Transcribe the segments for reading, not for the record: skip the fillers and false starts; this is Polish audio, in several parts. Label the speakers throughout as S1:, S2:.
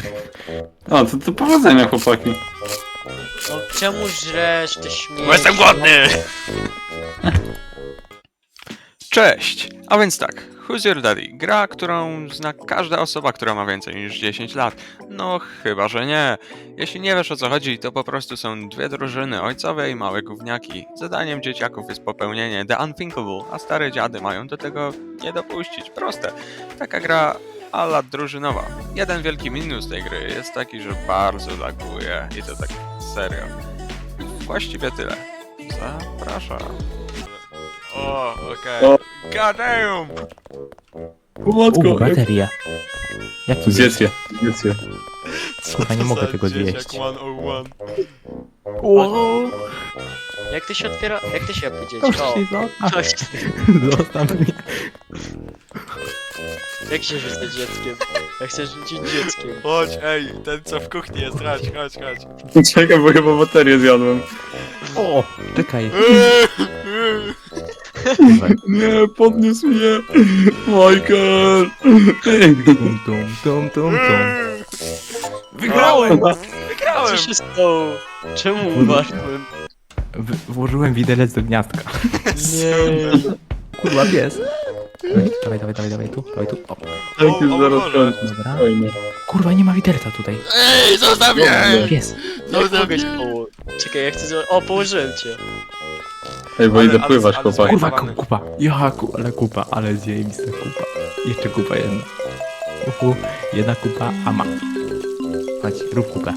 S1: O, to powodzenia, chłopaki.
S2: No czemu żresz te śmieci?
S3: Bo jestem głodny!
S4: Cześć! A więc tak, Who's Your Daddy? Gra, którą zna każda osoba, która ma więcej niż 10 lat. No chyba, że nie. Jeśli nie wiesz o co chodzi, to po prostu są dwie drużyny, ojcowe i małe gówniaki. Zadaniem dzieciaków jest popełnienie The Unthinkable, a stare dziady mają do tego nie dopuścić. Proste. Taka gra a la drużynowa. Jeden wielki minus tej gry jest taki, że bardzo laguje i to tak serio. Właściwie tyle. Zapraszam.
S3: O, okej.
S1: O.
S3: God damn!
S1: Matko,
S5: bateria. Jak to zjeść?
S1: zjedz je.
S3: Co
S5: Kurwa, nie
S3: to
S5: mogę
S3: za
S5: tego
S3: dzieciak
S5: zjeść.
S3: 101?
S2: Jak to się otwiera? Jak to się powiedzieć?
S5: Proszę
S2: O,
S5: się zostaw.
S2: coś.
S5: Zostaw mnie.
S2: Jak się rzuca dzieckiem? Ja chcę rzucić dzieckiem.
S3: Chodź, ej, ten co w kuchni jest, chodź.
S1: Czekaj, bo chyba baterię zjadłem.
S5: O, czekaj.
S1: Nie, podniósł mnie. Michael.
S5: Tum, tum, tum, tum, tum.
S3: Wygrałem!
S2: Co
S3: Wygrałem!
S2: się stało? Czemu umarłem?
S5: Włożyłem widelec do gniazdka.
S2: Nie.
S5: Kurwa, pies. Dawaj, tu. O,
S1: Tak już
S3: o
S1: zaraz
S3: Boże.
S1: kończę.
S5: dobra.
S1: Fajnie.
S5: Kurwa, nie ma widelca tutaj.
S3: Ej, zostaw mnie!
S5: Pies.
S2: Jak mogę się położyć? Czekaj, ja chcę zrobić... O, położyłem cię.
S1: Ej, bo
S3: Ale-
S1: idę pływać,
S3: ale-
S1: chłopaki.
S5: Kurwa,
S3: Zajebany.
S5: kupa. Ale kupa, ale zjebista kupa. Jeszcze kupa jedna. Jedna kupa, a ma. Chodź, rób kupę.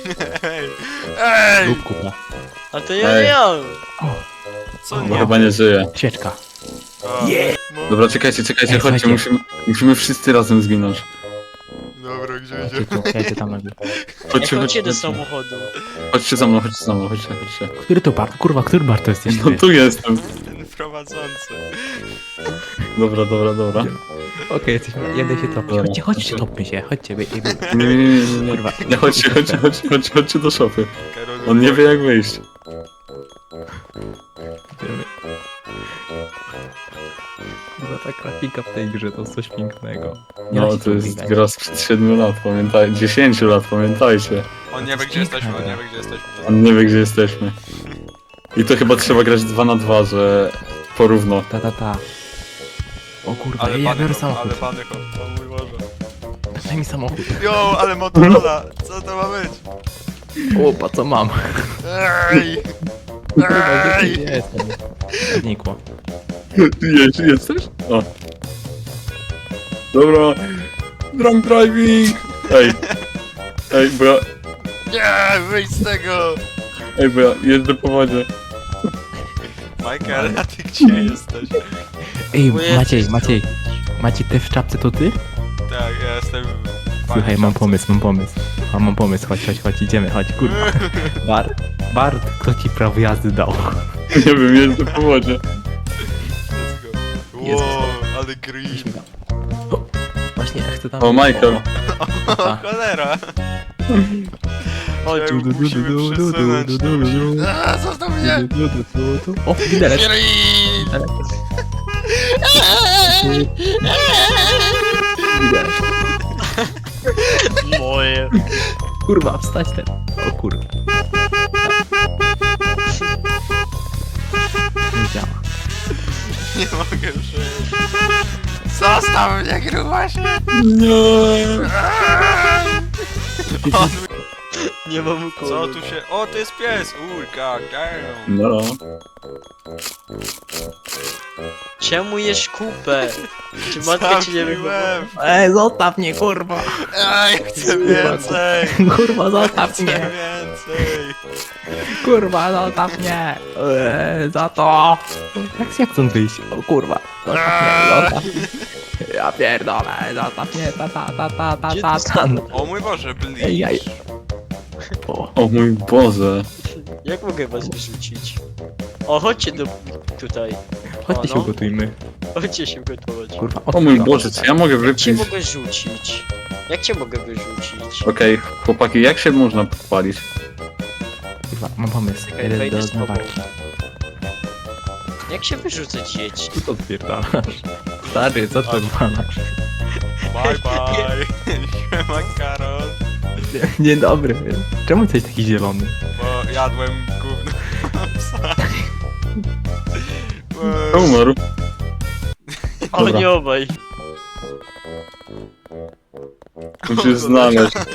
S3: Ej!
S5: Rób kupę.
S2: A to ja
S1: Ej.
S2: nie mam.
S3: Co
S1: Bo
S3: nie?
S1: chyba nie żyje.
S5: Świeczka.
S3: O, no.
S1: Dobra, czekajcie,
S5: Ej,
S1: chodźcie,
S5: słuchajcie.
S1: musimy wszyscy razem zginąć.
S3: Dobra, gdzie
S5: Chodźcie
S3: idzie?
S5: tu, ja idę tam nagle.
S1: Chodźcie,
S2: Jak chodźcie do
S1: chodźcie.
S2: samochodu.
S1: Chodźcie za mną, chodźcie.
S5: Który to bar? Kurwa, który bar to jesteś
S1: No
S5: ty?
S1: tu jestem.
S3: Ten prowadzący.
S1: Dobra.
S5: Okej, jesteśmy. Jadę się topić. Chodźcie, topmy się. Chodźcie,
S1: Nie.
S5: kurwa.
S1: Nie, chodźcie do szopy.
S3: Karol,
S1: On nie wie jak wyjść.
S5: Kurwa, ta grafika w tej grze to coś pięknego.
S1: No,
S5: da się
S1: to
S5: tu
S1: jest
S5: biegać.
S1: gra sprzed 7 lat, pamiętajcie. 10 lat, pamiętajcie.
S3: On nie wie gdzie jesteśmy, on nie wie gdzie jesteśmy.
S1: On nie wie gdzie jesteśmy. I to chyba trzeba grać 2 na 2, że porówno.
S5: Ta. O kurwa,
S3: Ale
S5: ja
S3: bany
S5: biorę
S3: hop,
S5: samochód.
S3: ale bany hop, o mój Boże.
S5: Daj mi samochód.
S3: Jo, ale Motorola, co to ma być?
S5: Opa, co mam?
S3: Ej!
S5: Kurwa,
S3: Ej!
S5: gdzie jestem? Znikło.
S1: Jesteś? O. Dobra. Drunk driving! Ej, bo ja
S3: Nie, wyjdź z tego!
S1: jeżdżę po wodzie.
S3: Michael, a ty gdzie jesteś?
S5: Ej,
S2: Bo jesteś
S5: Maciej, ty w czapce to ty?
S3: Tak, ja jestem...
S5: Słuchaj, mam pomysł. Mam pomysł, chodź, idziemy, chodź, kurwa. Bart, kto ci prawo jazdy dał?
S1: Nie wiem, jeżdżę po wodzie.
S3: Let's go.
S5: Jest.
S3: Wow, ale green.
S5: Właśnie, ja chcę tam...
S1: O, Michael.
S3: O, cholera!
S2: Chodź,
S3: Czemu musimy przesunąć? A, zostaw mnie!
S5: O, widelec.
S3: Green!
S5: Widelec.
S2: moje.
S5: Kurwa, wstać ten. O kurwa. Nie działa.
S3: Nie mogę przejść. Zostaw mnie, grubasie!
S1: Nie.
S3: On...
S2: Nie mam kogo.
S3: Co tu się... O, to jest pies! God damn!
S1: No.
S2: Czemu jesz kupę? Czy matka ci nie wygląda?
S3: Zabiłem!
S5: Ej, zostaw mnie, kurwa.
S3: Ej, chcę więcej!
S5: Kurwa, zostaw
S3: Chcę
S5: mnie.
S3: więcej!
S5: Kurwa, zostaw mnie. Za to. Jak stąd wyjść? O kurwa. Zostaw mnie. Ja pierdolę, zostaw mnie. Ta.
S3: O mój Boże,
S5: Ej, jaj.
S3: bleach!
S1: O mój Boże.
S2: Jak mogę was wyrzucić? O, chodźcie tutaj.
S5: Chodźcie
S2: O,
S5: się
S2: no.
S5: ugotujmy.
S2: Chodźcie się gotować.
S5: Kurwa,
S1: O mój Boże, czy ja mogę
S2: Jak cię
S1: wypić?
S2: mogę rzucić? Jak cię mogę wyrzucić?
S1: Okej, chłopaki, jak się można podpalić?
S5: Kurwa, mam pomysł.
S2: Czekaj,
S5: Jeden
S2: wejdę
S5: do
S2: z tobą.
S5: zmywarki.
S2: Jak się wyrzuca dzieci?
S5: Tu to odpierdalasz. Stary, co to odwalasz?
S3: Bye bye! Siema, Karol!
S5: Dzień dobry. Czemu jesteś taki zielony?
S3: Bo jadłem gówno. Psa.
S1: Umarł.
S2: O,
S5: Dobra.
S2: nie obaj.
S1: Musisz znaleźć.
S2: No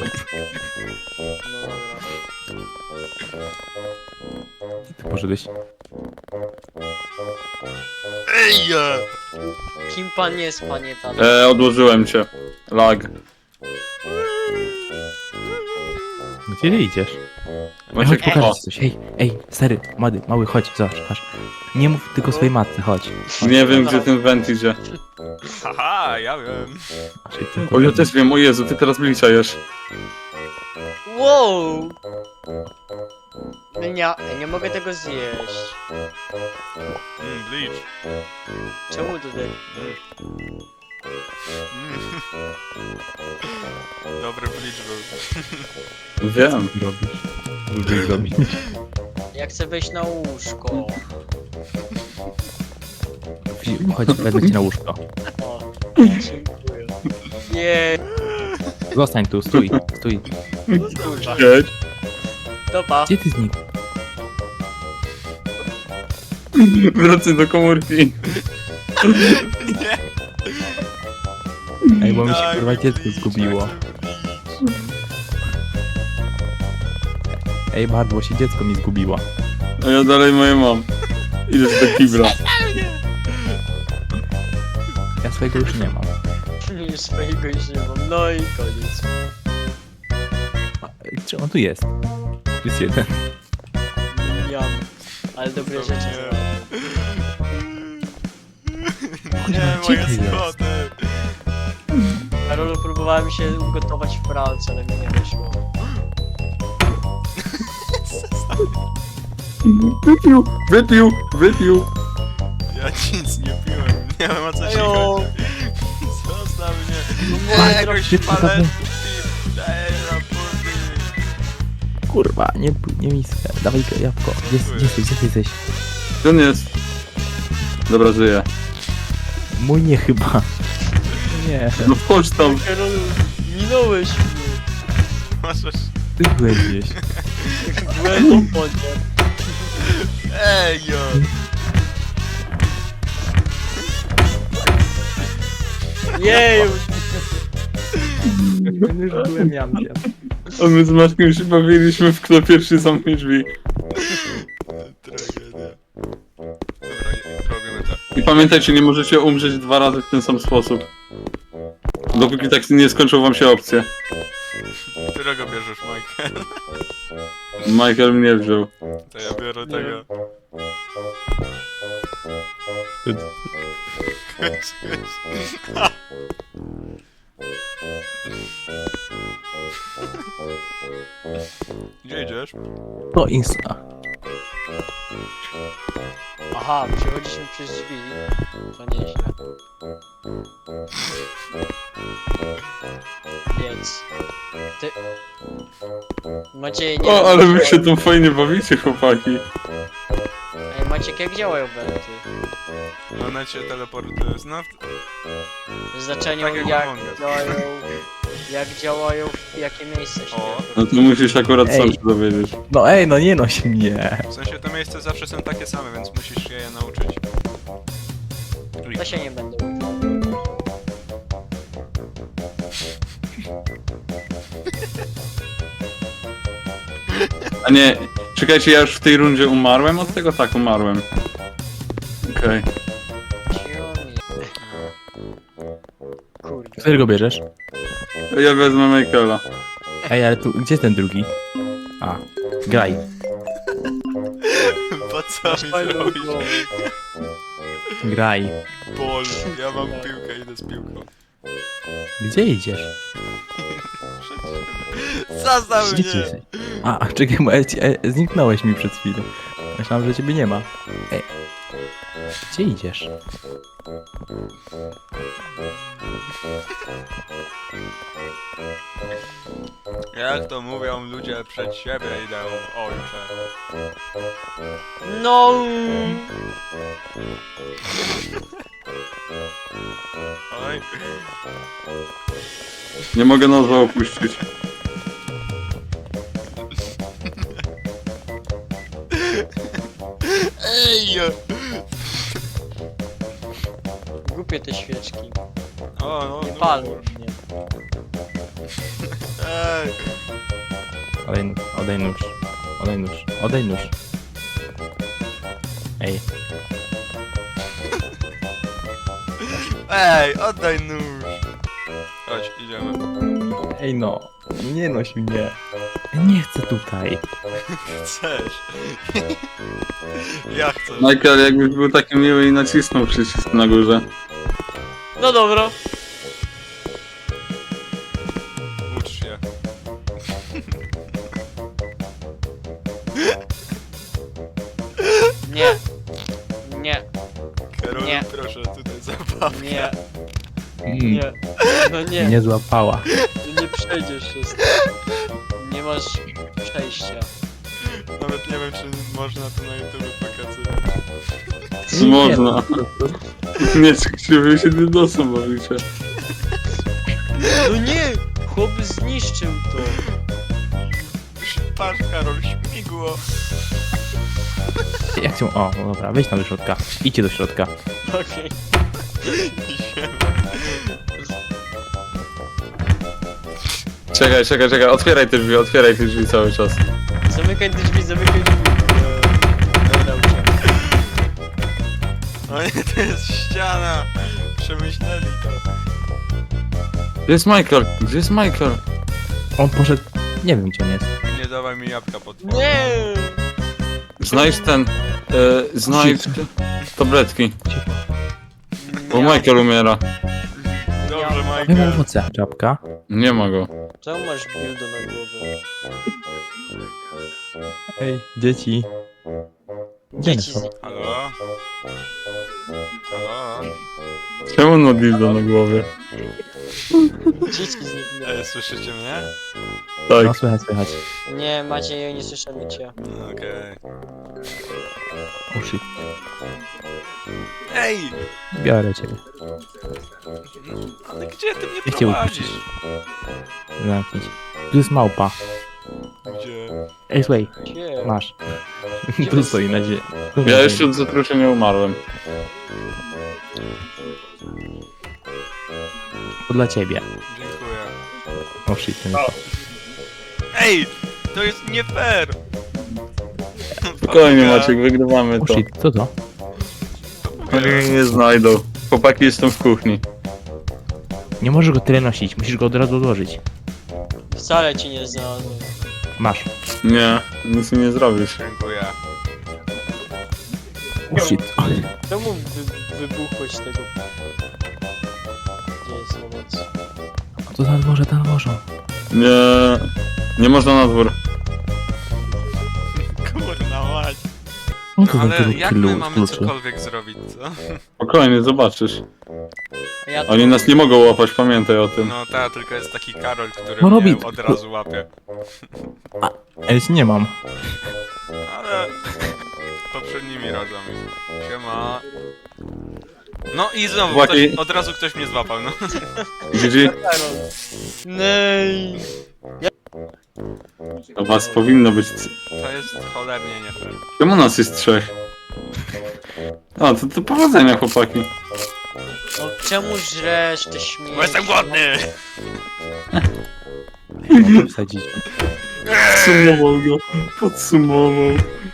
S2: dobra.
S5: Ty poszedłeś.
S3: Ej!
S2: Kim pan jest, panie Tadek?
S1: Odłożyłem cię. Lag.
S5: Gdzie ty idziesz?
S1: Macie
S5: Chodź, pokażę
S1: kocha.
S5: ci coś. Ej, stary, mały, chodź, zobacz, chodź. Nie mów tylko swojej matce, chodź.
S1: Nie wiem, gdzie ten went idzie.
S3: Haha, ja wiem.
S5: Czyli tylko
S1: O, ja też wiem, o Jezu, ty teraz blicia jesz.
S2: Wow! Nie mogę tego zjeść.
S3: Bleach.
S2: Czemu tutaj?
S3: Dobry bleach był.
S1: Wiem.
S5: robisz. Lubisz robić.
S2: Ja chcę wejść na łóżko.
S5: Chodź, wezmę cię na łóżko.
S2: O, dziękuję. Jej,
S5: Zostań tu, stój.
S2: kurwa.
S1: Cześć.
S2: Dopa.
S5: Gdzie ty znikł?
S1: Wracaj do komórki.
S5: Ej, bo mi się
S3: Daj
S5: kurwa
S3: mi
S5: dziecko
S3: bleach,
S5: zgubiło.
S3: ja chcę bleach.
S5: Ej, Bart, bo się dziecko mi zgubiło.
S1: A ja dalej moje mam. Idziesz do kibla.
S5: Ja swojego już nie mam.
S2: Już swojego już nie mam. No i koniec.
S5: Czy on tu jest? Tu jest jeden.
S2: Miam. Ale dobre rzeczy
S3: Nie.
S2: znałem.
S3: Nie,
S5: Gdzie
S3: moje
S5: ty jest?
S3: spoty.
S2: Karolu, próbowałem się ugotować w pralce, ale mi nie wyszło.
S1: Wypił.
S3: Ja nic nie piłem. Nie wiem o co się
S2: Ejo.
S3: chodzi. Zostaw mnie.
S2: Nie,
S3: Jakoś
S5: szybko
S3: paletki.
S5: zabrać.
S3: Daj raporty.
S5: Kurwa, nie miskę. Dawaj jabłko. Gdzie jesteś?
S1: Gdzie on jest? Dobra, żyje.
S5: Mój nie chyba. Nie,
S1: No wchodź tam.
S2: Karolu, minąłeś mnie.
S3: Możesz...
S5: ty byłeś gdzieś.
S2: Byłem w wodzie.
S3: Ej, jo.
S2: Jeju!
S5: Już byłem jamkiem.
S1: A my z Maćkiem się bawiliśmy w kto pierwszy zamknie drzwi.
S3: Tragedia. Dobra, robimy tak.
S1: I pamiętajcie, nie możecie umrzeć 2 razy w ten sam sposób. Dopóki tak nie skończą wam się opcje.
S3: Którego bierzesz, Michael?
S1: Michael mnie wziął.
S3: To ja biorę tego. Gdzie idziesz?
S5: To Insta.
S2: Aha, przechodziliśmy przez drzwi. To nieźle. Więc... Ty... Macie nie...
S1: O, ale wy się tu fajnie bawicie, chłopaki.
S2: Ej, Maciek, jak działają belty?
S3: One cię teleportują znów.
S2: Znaczeniu
S3: Tak jak
S2: jak
S3: Among Us.
S2: działają... Jak działają, w jakie miejsce się...
S3: O.
S1: No to musisz akurat sam
S5: Ej.
S1: się dowiedzieć.
S5: No ej, no nie noś mnie.
S3: W sensie te miejsca zawsze są takie same, więc musisz się je nauczyć.
S2: To się nie będę uczył.
S1: A nie, czekajcie, ja już w tej rundzie umarłem od tego? Tak, umarłem. Okej.
S2: Kurde.
S5: Którego bierzesz?
S1: Ja wezmę Michaela.
S5: Ej, ale tu, gdzie jest ten drugi? A, graj.
S3: Po co mi zrobić?
S5: Graj.
S3: Bol, ja mam piłkę, idę z piłką.
S5: Gdzie idziesz?
S3: Zostaw
S5: Gdzie ty
S3: mnie!
S5: jesteś? A, czekaj, bo zniknąłeś mi przed chwilą. Myślałem, że ciebie nie ma. Ej. Gdzie idziesz?
S3: Jak to mówią ludzie przed siebie idę, ojcze.
S2: No!
S3: Oj.
S1: Nie mogę nazwa opuścić.
S3: Ej!
S2: Głupie te świeczki.
S3: O, no,
S2: Nie
S3: no.
S2: palą mnie.
S3: Ej!
S5: Odej nóż. Odej nóż. Odej nóż. Ej,
S3: Ej, oddaj nóż! Chodź, idziemy.
S5: ej no. Nie noś mnie. Ja nie chcę tutaj.
S3: Chcesz? Ja chcę.
S1: Michael, jakbyś był taki miły i nacisnął przycisk na górze.
S2: No dobra.
S3: Ucz się.
S2: Nie. Nie.
S3: Karol,
S2: Nie.
S3: proszę, tutaj zabaw.
S2: Nie.
S5: Mm,
S2: Nie. No nie.
S5: nie złapała.
S2: Nie przejdziesz się. Nie masz przejścia.
S3: Nawet nie wiem, czy można to na YouTube pokazywać.
S1: Można. Nie, czy wy się dydosem bawicie.
S2: No nie! Chłop zniszczył to.
S3: Patrz, Karol, śmigło.
S5: Jak się... O, no dobra, wejdź tam do środka. Idźcie do środka.
S2: Okej.
S3: Idziemy.
S1: Czekaj, otwieraj te drzwi cały czas.
S2: Zamykaj te drzwi, zamykaj drzwi. Nauczę.
S3: O nie, to jest ściana. Przemyśleli to.
S1: Gdzie jest Michael? Gdzie jest Michael?
S5: On poszedł... Nie wiem, gdzie on jest.
S3: Nie dawaj mi jabłka pod
S2: Nie!
S1: Znajdź znajdź tabletki, bo
S2: Nie.
S1: Michael umiera.
S3: Dobrze,
S5: Ja mam
S3: Michael.
S5: owoce. Czapka.
S1: Nie ma go.
S2: Czemu masz dildo na głowę?
S5: Ej, dzieci. Gdzie one
S2: Dzieci
S5: są?
S2: z...
S3: Halo? Halo?
S1: Czemu on ma dildo na głowie?
S2: Dzieci zniknęły.
S3: Słyszycie mnie?
S5: No,
S1: Tak.
S5: słychać.
S2: Nie, Maciej, nie słyszymy cię.
S3: Okej.
S5: O shit.
S3: Ej!
S5: Biorę cię.
S3: Ale gdzie ty mnie
S5: Ja cię
S3: prowadzisz?
S5: Zamknij się. Tu jest małpa.
S3: Gdzie?
S5: Ej, słuchaj.
S2: Gdzie?
S5: Masz. Tu stoi na ziemi.
S1: Ja jeszcze od zatrucia nie umarłem.
S5: To dla ciebie.
S3: Dziękuję.
S5: O shit, to nie to.
S3: Ej! To jest nie fair!
S1: Spokojnie Maciek, wygrywamy
S5: O
S1: to.
S5: shit, co to?
S1: Oni mnie nie znajdą. Chłopaki, jestem w kuchni.
S5: Nie możesz go tyle nosić, musisz go od razu odłożyć.
S2: Wcale ci nie znalazłem.
S5: Masz.
S1: Nie, nic mi nie zrobisz.
S3: Dziękuję.
S5: O shit.
S2: Czemu wybuchłeś tego? Gdzie jest owoc?
S5: To na dworze.
S1: Nie, nie można na dwór.
S3: Kurna mać.
S5: No to
S3: Ale
S5: za
S3: jak my mamy
S5: kluczy.
S3: cokolwiek zrobić, co?
S1: Spokojnie, zobaczysz.
S2: A ja
S1: Oni nas nie mogą łapać, pamiętaj o tym.
S3: No ta, tylko jest taki Karol, który
S5: No
S3: mnie
S5: robi-
S3: od razu łapie.
S5: Ej, nie mam.
S3: Ale poprzednimi razami. Siema. No i znowu,
S1: Chłopaki.
S3: od razu ktoś mnie złapał, no.
S1: GG,
S2: Karol. Nej.
S1: to was powinno być...
S3: To jest cholernie nie fair.
S1: Czemu nas jest 3? O, to powodzenia chłopaki.
S2: No czemu żresz te śmieci?
S3: Bo jestem głodny!
S5: Mogę wsadzić.
S1: Podsumował go. Podsumował.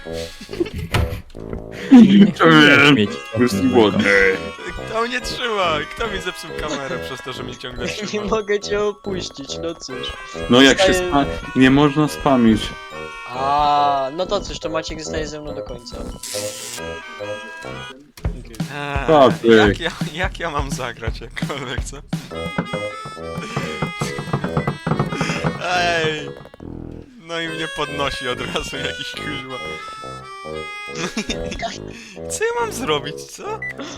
S5: Śmieci.
S1: Jestem głodny.
S3: Kto mnie trzyma? Kto mi zepsuł kamerę przez to, że mnie ciągle
S2: Nie
S3: trzyma?
S2: mogę cię opuścić, no cóż.
S1: No jak się
S2: Zostaje-
S1: nie można spamić.
S2: A, no to cóż, to Maciek zostaje ze mną do końca.
S1: Tak,
S3: Jak ja mam zagrać jakkolwiek, co? Ej! No i mnie podnosi od razu jakiś kuźwa. Co ja mam zrobić, co?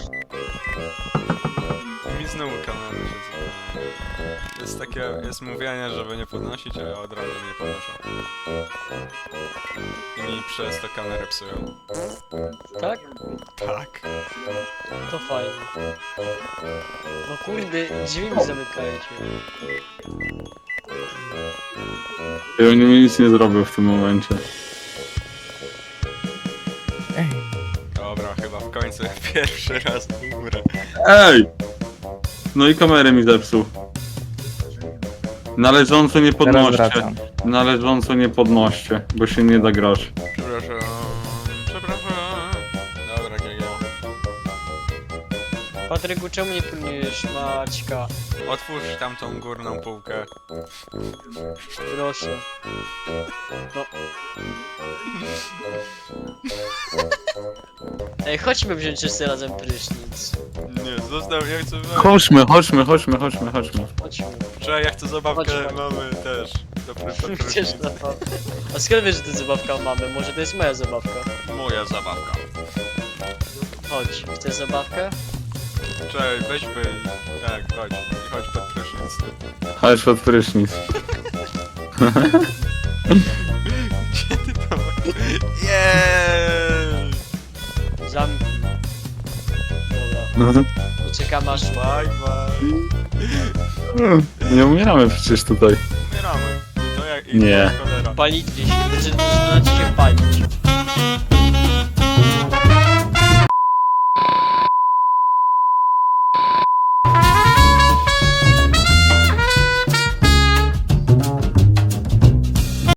S3: Mi znowu kamerę się zapala. Jest takie, jest mówienie, żeby nie podnosić, a ja od razu nie podnoszę. I mi przez to kamerę psują.
S2: Tak?
S3: Tak.
S2: To fajnie. No kurde, drzwi mi zamykajcie.
S1: I oni mi nic nie zrobią w tym momencie.
S5: Ej,
S3: Dobra. Pierwszy raz w górę.
S1: Ej! No i kamerę mi zepsuł. Należąco nie
S5: Teraz
S1: podnoście.
S5: wracam.
S1: Należąco nie podnoście, bo się nie da grać.
S3: Przepraszam. Dobra, GG.
S2: Patryku, czemu nie pilnujesz Maćka?
S3: Otwórz tamtą górną półkę.
S2: Proszę. No. Ej, chodźmy wziąć wszyscy razem prysznic.
S3: Nie, zostaw, ja chcę...
S1: Chodźmy.
S2: Chodźmy.
S3: Czekaj, ja chcę zabawkę,
S2: Chodź.
S3: mamy też. Dobry
S2: Chcesz zabawkę? A skąd wiesz, że to zabawka mamy? Może to jest moja zabawka?
S3: Moja zabawka.
S2: Chodź, chcesz zabawkę?
S3: Czekaj, weźmy. Tak, chodź. I chodź pod prysznic.
S1: Chodź pod prysznic.
S3: Gdzie ty to masz? Jeeeey!
S2: Zamknij. Dobra. Poczekam aż
S3: Bye, bye.
S1: Nie umieramy przecież tutaj.
S3: Umieramy. To jak...
S1: Nie.
S3: Cholera.
S2: palić gdzieś, zaczyna ci się palić.